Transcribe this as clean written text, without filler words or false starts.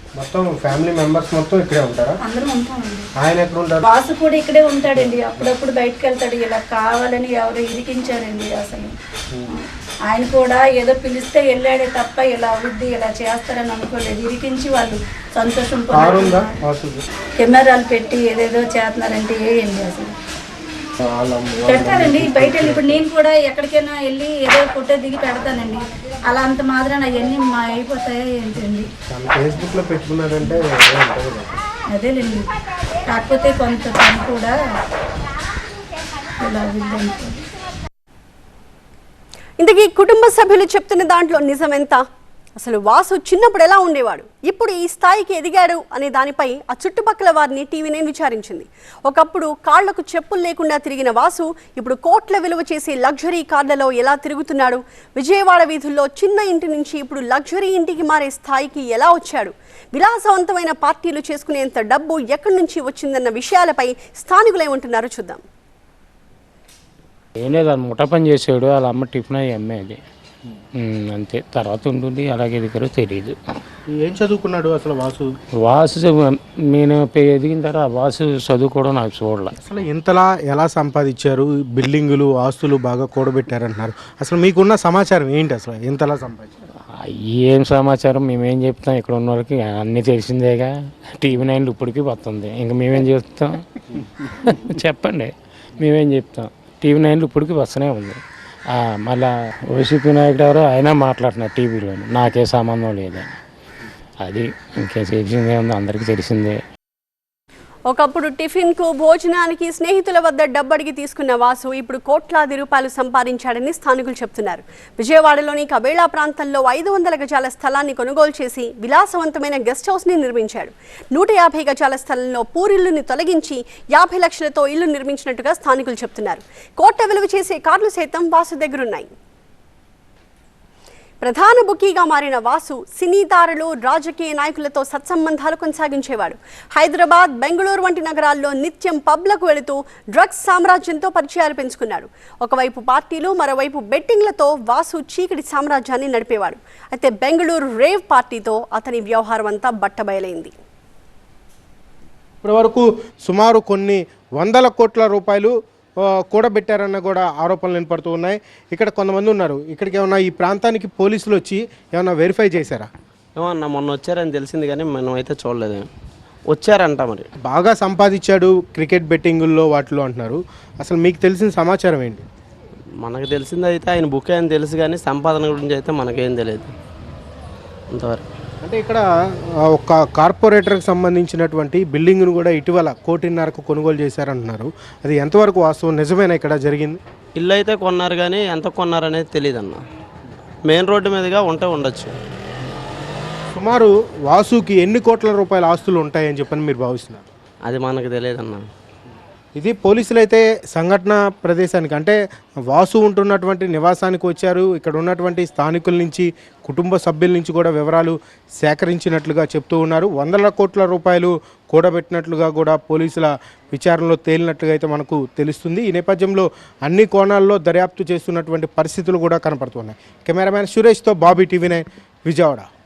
మొత్తం family members మొత్తం ఇక్కడే ఉంటారా? అందరం ఉంటామండి. ఆయన ఎక్కడ ఉంటారు? బాసు కూడా ఇక్కడే ఉంటాడండి. అప్పుడప్పుడు బయటకు వెళ్తాడు. ఇలా కావాలని ఎవరు ఇరికించారండి. అసలు ఆయన కూడా ఏదో పిలిస్తే వెళ్ళాడే తప్ప ఇలా అవుద్ది ఇలా చేస్తారని అనుకోలేదు. ఇరికించి వాళ్ళు సంతోషం కెమెరాలు పెట్టి ఏదేదో చేస్తున్నారంటే ఏంటి అసలు పెడతారండి. బయట వెళ్ళి ఇప్పుడు నేను కూడా ఎక్కడికైనా వెళ్ళి ఏదో ఫోటో దిగి పెడతానండి. అలా అంత మాత్రం అవన్నీ మా అయిపోతాయా ఏంటండి? ఫేస్బుక్లో పెట్టుకున్నారంటే అదేలేండి. కాకపోతే కొంత పని కూడా ఇలా ఇంతకీ కుటుంబ సభ్యులు చెప్తున్న దాంట్లో నిజమెంత? అసలు వాసు చిన్నప్పుడు ఎలా ఉండేవాడు, ఇప్పుడు ఈ స్థాయికి ఎదిగాడు అనే దానిపై ఆ చుట్టుపక్కల వారిని టీవీ9 విచారించింది. ఒకప్పుడు కాళ్లకు చెప్పులు లేకుండా తిరిగిన వాసు ఇప్పుడు కోట్ల విలువ చేసే లగ్జరీ కార్లలో ఎలా తిరుగుతున్నాడు? విజయవాడ వీధుల్లో చిన్న ఇంటి నుంచి ఇప్పుడు లగ్జరీ ఇంటికి మారే స్థాయికి ఎలా వచ్చాడు? విలాసవంతమైన పార్టీలు చేసుకునేంత డబ్బు ఎక్కడి నుంచి వచ్చిందన్న విషయాలపై స్థానికులు ఏమంటున్నారో చూద్దాం. ఏం లేదు, ముఠా పని చేసాడు. వాళ్ళ అమ్మ టిఫిన్ అయ్యి అమ్మేది అంతే. తర్వాత ఉంటుంది అలాగే ఎదిగారో తెలియదు. ఏం చదువుకున్నాడు అసలు వాసు? నేను ఎదిగిన తర్వాత వాసు చదువుకోవడం నాకు చూడాలి. అసలు ఇంతలా ఎలా సంపాదించారు? బిల్డింగులు ఆస్తులు బాగా కూడబెట్టారంటున్నారు. అసలు మీకున్న సమాచారం ఏంటి? అసలు ఇంతలా సంపాదించారు? ఏం సమాచారం మేమేం చెప్తాం? ఇక్కడ ఉన్న వాళ్ళకి అన్నీ తెలిసిందేగా. టీవీ9 ఇప్పటికీ వస్తుంది. ఇంకా మేమేం చెప్తాం? చెప్పండి, మేమేం చెప్తాం? టీవీ9 ఇప్పటికీ వస్తూనే ఉంది. మళ్ళా వైసీపీ నాయకుడు ఎవరో అయినా మాట్లాడుతున్నారు టీవీలో, నాకే సంబంధం లేదని. అది ఇంకే తెలిసిందే ఉంది, అందరికీ తెలిసిందే. ఒకప్పుడు టిఫిన్కు భోజనానికి స్నేహితుల వద్ద డబ్బడిగి తీసుకున్న వాసు ఇప్పుడు కోట్లాది రూపాయలు సంపాదించాడని స్థానికులు చెప్తున్నారు. విజయవాడలోని కబేళా ప్రాంతంలో 500 గజాల స్థలాన్ని కొనుగోలు చేసి విలాసవంతమైన గెస్ట్ హౌస్ని నిర్మించాడు. 150 గజాల స్థలంలో పూరిల్లుని తొలగించి 50 లక్షలతో ఇల్లు నిర్మించినట్టుగా స్థానికులు చెప్తున్నారు. కోట్ల విలువ చేసే కార్లు సైతం వాసు దగ్గరున్నాయి. ప్రధాన బుకీగా మారిన వాసు సినీ తారలు, రాజకీయ నాయకులతో సత్సంబంధాలు కొనసాగించేవాడు. హైదరాబాద్, బెంగళూరు వంటి నగరాల్లో నిత్యం పబ్లకు వెళుతూ డ్రగ్స్ సామ్రాజ్యంతో పరిచయాలు పెంచుకున్నాడు. ఒకవైపు పార్టీలు, మరోవైపు బెట్టింగ్లతో వాసు చీకటి సామ్రాజ్యాన్ని నడిపేవాడు. అయితే బెంగళూరు రేవ్ పార్టీతో అతని వ్యవహారం అంతా బట్టబయలైంది. ఇప్పటి వరకు సుమారు కొన్ని వందల కోట్ల రూపాయలు కూడబెట్టారన్న కూడా ఆరోపణలు వినపడుతూ ఉన్నాయి. ఇక్కడ కొంతమంది ఉన్నారు. ఇక్కడికి ఏమన్నా ఈ ప్రాంతానికి పోలీసులు వచ్చి ఏమన్నా వెరిఫై చేశారా? ఏమన్నా మొన్న వచ్చారని తెలిసింది కానీ మనం అయితే చూడలేదు. వచ్చారంట. మరి బాగా సంపాదించాడు క్రికెట్ బెట్టింగుల్లో వాటిలో అంటున్నారు. అసలు మీకు తెలిసిన సమాచారం ఏంటి? మనకు తెలిసింది అయితే ఆయన బుక్ అని తెలుసు కానీ సంపాదన గురించి అయితే మనకేం తెలియదు అంతవరకు. అంటే ఇక్కడ ఒక కార్పొరేటర్కి సంబంధించినటువంటి బిల్డింగ్ను కూడా ఇటీవల 1.5 కోట్లకు కొనుగోలు చేశారంటున్నారు. అది ఎంతవరకు వాస్తవం, నిజమేనా ఇక్కడ జరిగింది? ఇల్లు అయితే కొన్నారు కానీ ఎంత కొన్నారు అనేది తెలియదు అన్న. మెయిన్ రోడ్డు మీదుగా ఉండొచ్చు. సుమారు వాసుకి ఎన్ని కోట్ల రూపాయల ఆస్తులు ఉంటాయని చెప్పని మీరు భావిస్తున్నారు? అది మనకు తెలియదన్న. ఇది పోలీసులు అయితే సంఘటన ప్రదేశానికి అంటే వాసు ఉంటున్నటువంటి నివాసానికి వచ్చారు. ఇక్కడ ఉన్నటువంటి స్థానికుల నుంచి, కుటుంబ సభ్యుల నుంచి కూడా వివరాలు సేకరించినట్లుగా చెప్తూ ఉన్నారు. వందల కోట్ల రూపాయలు కూడబెట్టినట్లుగా కూడా పోలీసుల విచారణలో తేలినట్లుగా అయితే మనకు తెలుస్తుంది. ఈ నేపథ్యంలో అన్ని కోణాల్లో దర్యాప్తు చేస్తున్నటువంటి పరిస్థితులు కూడా కనపడుతున్నాయి. కెమెరామ్యాన్ సురేష్తో బాబీ, టీవీ9 విజయవాడ.